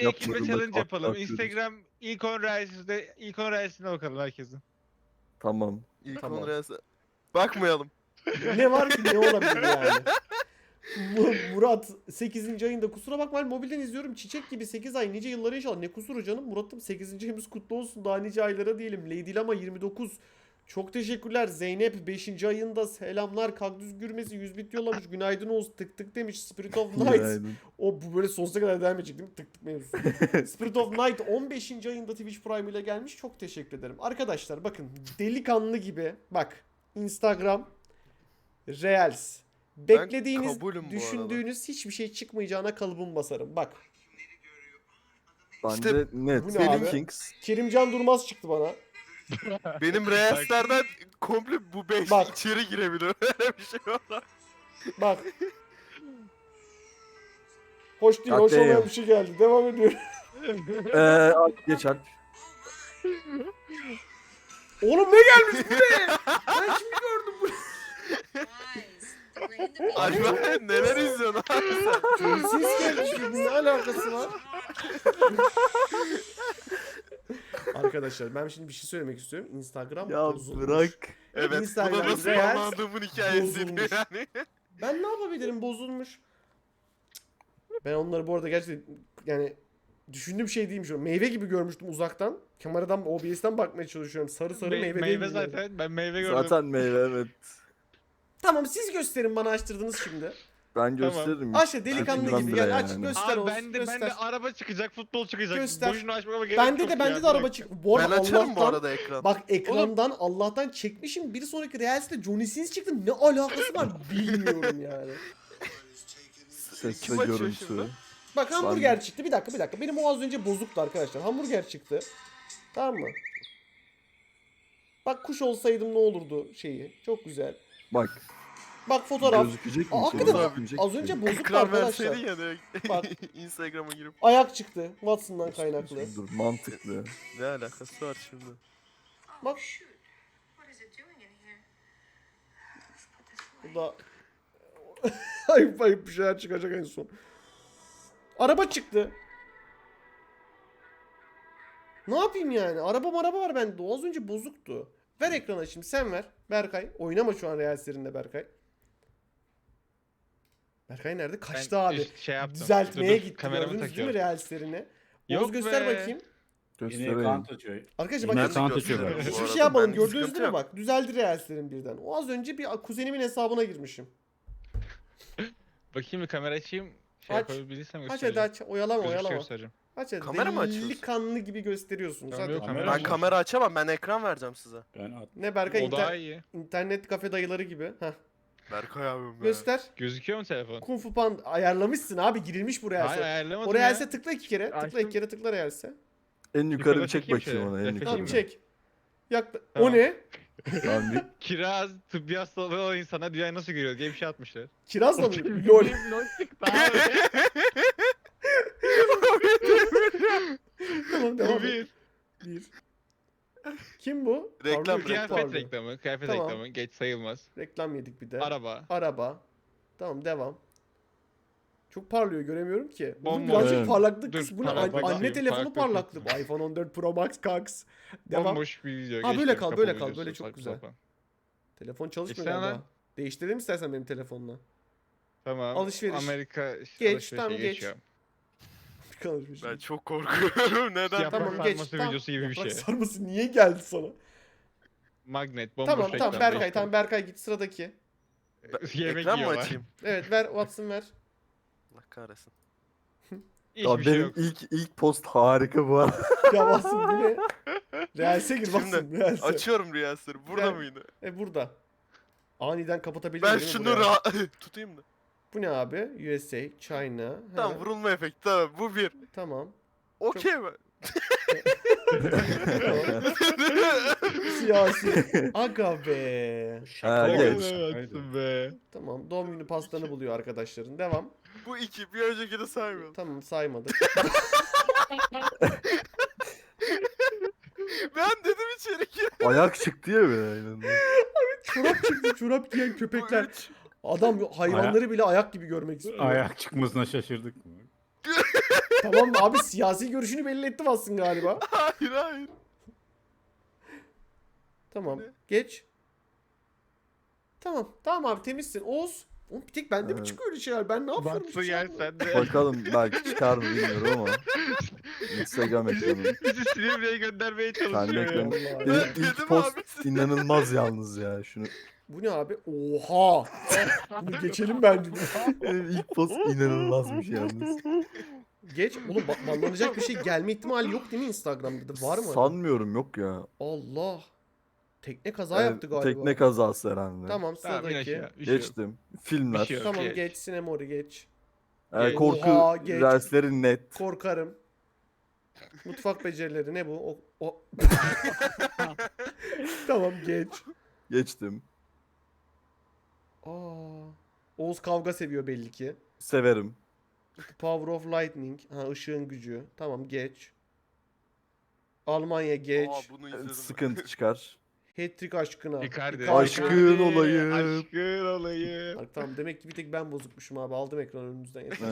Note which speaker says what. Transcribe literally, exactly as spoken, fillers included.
Speaker 1: bir ekiple
Speaker 2: Yapmadığında
Speaker 1: challenge
Speaker 2: kahkaha
Speaker 1: yapalım.
Speaker 2: atıyoruz.
Speaker 1: Instagram ilk on reelsinde ilk on reelsine bakalım herkesin.
Speaker 2: Tamam.
Speaker 3: İlk
Speaker 4: Tamam.
Speaker 3: on reelse. Bakmayalım.
Speaker 4: Ne var ki, ne olabilir yani? Mu- Murat sekizinci ayında, kusura bakma ben mobilden izliyorum, çiçek gibi sekiz ay nice yıllara inşallah. Ne kusuru canım Murat'ım, sekizinci ayımız kutlu olsun, daha nice aylara diyelim. Lady Lama yirmi dokuz, çok teşekkürler. Zeynep beşinci ayında selamlar. Kaktüs Gürmesi yüz bit yollamış, günaydın Oğuz, tık tık demiş. Spirit of Night,
Speaker 2: Günaydın.
Speaker 4: o bu böyle sonsuza kadar devam edecek değil mi, tık tık mevzusu. Spirit of Night on beşinci ayında Twitch Prime ile gelmiş, çok teşekkür ederim. Arkadaşlar bakın, delikanlı gibi bak, Instagram Reels, beklediğiniz,
Speaker 3: kabulüm bu
Speaker 4: düşündüğünüz hiçbir şey çıkmayacağına kalıbım basarım. Bak,
Speaker 2: Bence
Speaker 3: İşte
Speaker 2: net.
Speaker 4: bu ne abi?
Speaker 2: Kings.
Speaker 4: Kerimcan Durmaz çıktı bana.
Speaker 3: Benim reelslerden komple bu beş
Speaker 4: Bak.
Speaker 3: içeri girebilir. Öyle bir şey var.
Speaker 4: Bak. Hoş değil,
Speaker 2: God
Speaker 4: hoş olmayan
Speaker 2: damn.
Speaker 4: bir şey geldi. Devam ediyorum.
Speaker 2: Eee Alp geç Alp.
Speaker 4: Oğlum ne gelmiş bu ne? Ben şimdi gördüm bunu.
Speaker 3: Acaba neler izliyorsun abi sen?
Speaker 4: Ses gelmiş, ne alakası var? Arkadaşlar ben şimdi bir şey söylemek istiyorum. Instagram
Speaker 2: Ya
Speaker 4: bozulmuş.
Speaker 2: bırak.
Speaker 3: Evet, bu
Speaker 4: Instagram
Speaker 3: da nasıl
Speaker 4: Reels
Speaker 3: anladığımın hikayesi
Speaker 4: bozulmuş.
Speaker 3: yani.
Speaker 4: Ben ne yapabilirim, bozulmuş. Ben onları bu arada gerçekten yani düşündüğüm şey değilmiş. Meyve gibi görmüştüm uzaktan. Kameradan, O B S'ten bakmaya çalışıyorum. Sarı sarı
Speaker 1: Me-
Speaker 4: meyve,
Speaker 1: meyve
Speaker 4: değil mi?
Speaker 1: zaten. Ben meyve gördüm.
Speaker 2: Zaten meyve evet.
Speaker 4: Tamam, siz gösterin, bana açtırdınız şimdi.
Speaker 2: Ben gösteririm.
Speaker 4: Aşağı delikanlı
Speaker 2: Çekinmem
Speaker 4: gibi
Speaker 2: bile
Speaker 4: gel, aç
Speaker 2: yani.
Speaker 4: göster
Speaker 1: Abi
Speaker 4: olsun,
Speaker 1: bende,
Speaker 4: göster.
Speaker 1: bende araba çıkacak, futbol çıkacak.
Speaker 4: Göster.
Speaker 1: Boşuna açmama gerek
Speaker 4: Bende
Speaker 1: yok
Speaker 4: de
Speaker 1: ya.
Speaker 4: bende de
Speaker 1: Bir
Speaker 4: araba
Speaker 1: dakika.
Speaker 4: çık. Bu
Speaker 3: Ben
Speaker 4: arada
Speaker 3: açarım bu
Speaker 4: Allah'tan,
Speaker 3: arada ekran.
Speaker 4: bak ekrandan Allah'tan çekmişim. Bir sonraki Reels'te Johnny Sins çıktı. Ne alakası var bilmiyorum yani.
Speaker 2: Ses
Speaker 3: Kim
Speaker 2: ve
Speaker 3: açıyor
Speaker 2: görüntü.
Speaker 3: şimdi?
Speaker 4: Bak hamburger çıktı. Bir dakika bir dakika. Benim o az önce bozuktu arkadaşlar. Hamburger çıktı. Tamam mı? Bak kuş olsaydım ne olurdu şeyi. Çok güzel.
Speaker 2: Bak.
Speaker 4: Bak fotoğraf.
Speaker 2: Gözükecek mi?
Speaker 4: Aa, hakikaten
Speaker 2: Gözükmeyecek
Speaker 4: az
Speaker 2: mi?
Speaker 4: önce bozuktu
Speaker 3: Ekran
Speaker 4: arkadaşlar.
Speaker 3: verseydin ya direkt
Speaker 4: Bak.
Speaker 3: Instagram'a girip.
Speaker 4: Ayak çıktı. Watson'dan kaynaklı.
Speaker 2: Dur mantıklı.
Speaker 3: Ne alakası var şimdi?
Speaker 4: Bak. Bu da ayıp ayıp bir şeyler çıkacak en son. Araba çıktı. Ne yapayım yani? Araba araba var bende. O az önce bozuktu. Ver ekrana şimdi, sen ver. Berkay. Oynama şu an Reels'lerinde Berkay. Berkay nerede? Kaçtı
Speaker 1: Ben
Speaker 4: abi.
Speaker 1: üst- şey yaptım.
Speaker 4: Düzeltmeye
Speaker 1: Dur, dur,
Speaker 4: gitti.
Speaker 1: kameramı
Speaker 4: Gördünüz değil mi
Speaker 1: takıyorum.
Speaker 4: Reels'lerini?
Speaker 1: Yok
Speaker 4: Oğuz göster
Speaker 1: be.
Speaker 4: bakayım.
Speaker 5: Yine
Speaker 2: Göstereyim.
Speaker 5: ekran açıyor.
Speaker 4: Arkadaşlar
Speaker 5: Yine
Speaker 4: bakın.
Speaker 5: ekran
Speaker 3: Ben de
Speaker 5: açıyor
Speaker 3: gösteririm
Speaker 5: galiba.
Speaker 3: bu
Speaker 4: Hiçbir
Speaker 3: arada,
Speaker 4: şey yapmadım.
Speaker 3: bende
Speaker 4: Gördünüz
Speaker 3: sıkıntı
Speaker 4: değil mi
Speaker 3: yok.
Speaker 4: bak? Düzeldi Reels'lerin birden. O az önce bir kuzenimin hesabına girmişim.
Speaker 1: Bakayım bir kamera açayım. Şey
Speaker 4: Aç.
Speaker 1: yapabilirsem
Speaker 4: Aç hadi
Speaker 1: göstereceğim.
Speaker 4: aç. Oyalama
Speaker 1: Gözükse
Speaker 4: oyalama.
Speaker 1: göstereceğim.
Speaker 4: Aç hadi.
Speaker 3: Kamera mı açıyorsun?
Speaker 4: Delikanlı gibi gösteriyorsunuz.
Speaker 1: Tamam,
Speaker 4: Hadi.
Speaker 1: yok,
Speaker 5: Kamera
Speaker 1: kamera
Speaker 3: Ben
Speaker 5: açıyor.
Speaker 3: kamera açamam, ben ekran vereceğim size.
Speaker 5: Ben at.
Speaker 4: Ne Berkay,
Speaker 1: O daha
Speaker 4: inter-
Speaker 1: iyi.
Speaker 4: internet kafe dayıları gibi. Heh.
Speaker 3: Berkay abim be.
Speaker 4: Göster.
Speaker 1: Gözüküyor mu telefon?
Speaker 4: Kung Fu Panda ayarlamışsın abi, girilmiş bu
Speaker 1: Hayır
Speaker 4: Reels'e.
Speaker 1: ayarlamadım
Speaker 4: O Reels'e
Speaker 1: ya.
Speaker 4: tıkla iki kere. Tıkla
Speaker 1: Açtım.
Speaker 4: iki kere, tıkla Reels'e.
Speaker 2: En yukarı
Speaker 1: Yukarıda
Speaker 2: bir çek
Speaker 1: çekeyim
Speaker 2: bakayım
Speaker 1: şöyle.
Speaker 2: ona. En
Speaker 1: Refresh
Speaker 2: yukarı.
Speaker 4: Tamam
Speaker 1: Çekeyim
Speaker 4: çek. Yakla.
Speaker 1: Tamam.
Speaker 4: O ne?
Speaker 2: Tamam bir
Speaker 1: Kiraz tıbbi hastalığı olan insana dünyayı nasıl görüyor diye bir şey atmışlar.
Speaker 4: Kirazla mı? Lol.
Speaker 1: Lol çıktı abi.
Speaker 4: Tamam devam
Speaker 1: Bu
Speaker 4: et.
Speaker 1: bir.
Speaker 4: Bir. Kim bu?
Speaker 3: Reklam,
Speaker 4: Pardon, çok
Speaker 1: Kıyafet
Speaker 4: pardon.
Speaker 1: reklamı. Kıyafet
Speaker 4: Tamam.
Speaker 1: reklamı. Geç sayılmaz.
Speaker 4: Reklam yedik bir de.
Speaker 1: Araba.
Speaker 4: Araba. Tamam devam. Çok parlıyor, göremiyorum ki. Bunun
Speaker 1: Bomboş.
Speaker 4: birazcık
Speaker 2: Evet.
Speaker 4: parlaklık
Speaker 1: Dur,
Speaker 4: kısmı. Bu ne?
Speaker 1: parlak
Speaker 4: An-
Speaker 1: bakayım,
Speaker 4: Anne telefonu
Speaker 1: farklı
Speaker 4: parlaklığı.
Speaker 1: kısmı.
Speaker 4: iPhone on dört Pro Max Cox. Devam.
Speaker 1: Bomboş bir video.
Speaker 4: Ha,
Speaker 1: Geç
Speaker 4: böyle
Speaker 1: gör,
Speaker 4: kal,
Speaker 1: kapalı
Speaker 4: böyle kal,
Speaker 1: videosu,
Speaker 4: böyle çok
Speaker 1: saçma
Speaker 4: güzel.
Speaker 1: sapan.
Speaker 4: Telefon çalışmıyor
Speaker 1: İşte
Speaker 4: galiba.
Speaker 1: lan.
Speaker 4: Değiştirelim istersen benim telefonla.
Speaker 1: Tamam.
Speaker 4: Alışveriş.
Speaker 1: Amerika
Speaker 4: Geç,
Speaker 1: alışverişe
Speaker 4: tamam, geç.
Speaker 1: geçiyorum.
Speaker 4: Konuşmuş.
Speaker 3: Ben çok korkuyorum. Neden?
Speaker 1: Yaprak
Speaker 4: Tamam geç.
Speaker 1: sarması
Speaker 4: Tamam.
Speaker 1: videosu gibi bir
Speaker 4: Yaprak
Speaker 1: şey.
Speaker 4: sarması niye geldi sana?
Speaker 1: Magnet, bomboş
Speaker 4: Tamam tamam
Speaker 1: reklam,
Speaker 4: Berkay,
Speaker 1: geçtim.
Speaker 4: tamam Berkay git sıradaki.
Speaker 1: Yemek
Speaker 3: Ekran mı
Speaker 1: yiyorlar.
Speaker 3: açayım?
Speaker 4: Evet ver Watson ver.
Speaker 3: Allah kahretsin.
Speaker 1: Hiçbir
Speaker 2: Ya
Speaker 1: şey
Speaker 2: benim
Speaker 1: yok.
Speaker 2: ilk ilk post harika bu arada.
Speaker 4: Ya Watson bu ne? Reels'e gir Watson,
Speaker 3: Şimdi
Speaker 4: Reels'e.
Speaker 3: Açıyorum Riyasları. Burada
Speaker 4: Gel.
Speaker 3: mıydı?
Speaker 4: E burada. Aniden kapatabilir
Speaker 3: Ben
Speaker 4: miyim
Speaker 3: şunu
Speaker 4: buraya?
Speaker 3: rahat tutayım da.
Speaker 4: Bu ne abi? U S A, China.
Speaker 3: Tamam,
Speaker 4: Ha,
Speaker 3: vurulma efekti, tamam, bu bir.
Speaker 4: tamam.
Speaker 3: Okey mi?
Speaker 4: Siyasi. Aga be.
Speaker 2: Ha,
Speaker 1: Ne
Speaker 2: geç.
Speaker 1: kadar attın be.
Speaker 4: Tamam, doğum günü pastanı buluyor arkadaşların. Devam.
Speaker 3: Bu iki, bir öncekini saymıyorum.
Speaker 4: Tamam, saymadık.
Speaker 3: Ben dedim içeri gir.
Speaker 2: Ayak çıktı ya böyle.
Speaker 4: Çorap çıktı, çorap giyen köpekler.
Speaker 3: Bu üç.
Speaker 4: Adam hayvanları bile ayak gibi görmek istiyor.
Speaker 5: Ayak çıkmasına şaşırdık mı?
Speaker 4: Tamam abi, siyasi görüşünü belli ettim aslında galiba.
Speaker 3: Hayır hayır.
Speaker 4: Tamam.
Speaker 3: Ne?
Speaker 4: Geç. Tamam. Tamam abi, temizsin. Oğuz. Oğlum bir tek bende mi
Speaker 2: Evet.
Speaker 4: çıkıyor öyle şeyler? Ben ne yapıyorum?
Speaker 1: Baksı
Speaker 4: hiç
Speaker 1: yer
Speaker 4: yapmıyorum.
Speaker 1: sende.
Speaker 2: Bakalım belki çıkar mı bilmiyorum ama. Instagram ekranım.
Speaker 1: Bizi Silivri'ye göndermeye
Speaker 2: Kendi
Speaker 1: çalışıyor ya.
Speaker 2: ekranım.
Speaker 4: Vallahi.
Speaker 2: İlk,
Speaker 3: Dedim
Speaker 2: ilk post
Speaker 3: abi.
Speaker 2: inanılmaz yalnız ya. Şunu.
Speaker 4: Bu ne abi? Oha. Bunu geçelim bence.
Speaker 2: Benim ilk post inanılmazmış yalnız.
Speaker 4: Geç. Oğlum ba- banlanacak bir şey gelme ihtimali yok değil mi Instagram'da da? Var mı?
Speaker 2: Sanmıyorum, yok ya.
Speaker 4: Allah. Tekne kaza
Speaker 2: Evet,
Speaker 4: yaptı galiba.
Speaker 2: Tekne kazası herhalde.
Speaker 4: Tamam,
Speaker 1: Tamam in
Speaker 4: sıradaki.
Speaker 1: aşağı. Bir şey yok.
Speaker 2: Geçtim. Filmler.
Speaker 1: Bir şey yok.
Speaker 4: Tamam
Speaker 1: Geç.
Speaker 4: geç. Sinemori geç.
Speaker 2: Ee,
Speaker 1: Geç.
Speaker 2: korku
Speaker 4: Oha, geç.
Speaker 2: dersleri net.
Speaker 4: Korkarım. Mutfak becerileri ne bu? O, o. Tamam geç.
Speaker 2: Geçtim.
Speaker 4: Aa. Oğuz kavga seviyor belli ki.
Speaker 2: Severim.
Speaker 4: Power of Lightning. Ha, ışığın gücü. Tamam geç. Almanya geç.
Speaker 3: Aa bunu
Speaker 2: Ee,
Speaker 3: izledim.
Speaker 2: Sıkıntı çıkar.
Speaker 4: Hat-trick aşkına.
Speaker 1: Icardi.
Speaker 4: Icardi.
Speaker 2: Aşkın olayım.
Speaker 1: Aşkın olayım.
Speaker 4: Bak, tamam, demek ki bir tek ben bozukmuşum abi. Aldım ekran önünüzden.